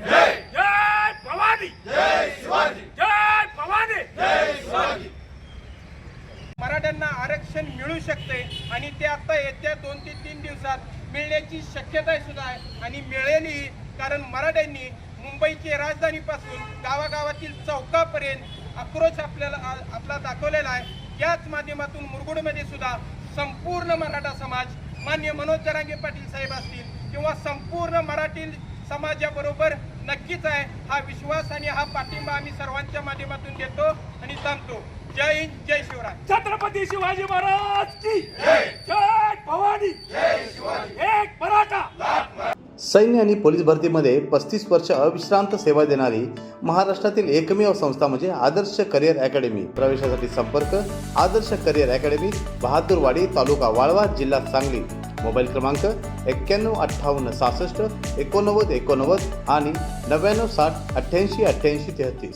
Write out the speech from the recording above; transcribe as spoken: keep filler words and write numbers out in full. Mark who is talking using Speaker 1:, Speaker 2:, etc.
Speaker 1: जय जय भवानी जय शिवाजी जय भवानी जय शिवाजी।
Speaker 2: मराठ्यांना आरक्षण मिळू शकते आणि ते आता येत्या दोन ते तीन दिवसात मिळण्याची शक्यता सुद्धा आहे आणि मिळेलही, कारण मराठ्यांनी मुंबईची राजधानीपासून गावागावातील चौकापर्यंत आक्रोश आपल्याला आपला दाखवलेला आहे। याच माध्यमातून मुरगुडमध्ये सुद्धा संपूर्ण मराठा समाज, मान्य मनोज जरांगे पाटील साहेब असतील किंवा संपूर्ण मराठी समाजाबरोबर नक्कीच आहे। हा विश्वास आणि हा पाठिंबा आम्ही सर्वांच्या माध्यमातून देतो आणि थांबतो। जय हिंद, जय शिवराय।
Speaker 1: छत्रपती शिवाजी महाराज की जय जय भवानी जय शिवाजी। एक मराठा।
Speaker 3: सैन्य आणि पोलीस भरतीमध्ये पस्तीस वर्ष अविश्रांत सेवा देणारी महाराष्ट्रातील एकमेव संस्था म्हणजे आदर्श करिअर अकॅडमी। प्रवेशासाठी संपर्क आदर्श करिअर अकॅडमी, बहादूरवाडी, तालुका वाळवा, जिल्हा सांगली। मोबाईल क्रमांक एक्क्याण्णव अठ्ठावन्न सहासष्ट एकोणनव्वद एकोणनव्वद आणि नव्याण्णव साठ अठ्ठ्याऐंशी अठ्ठ्याऐंशी तेहतीस।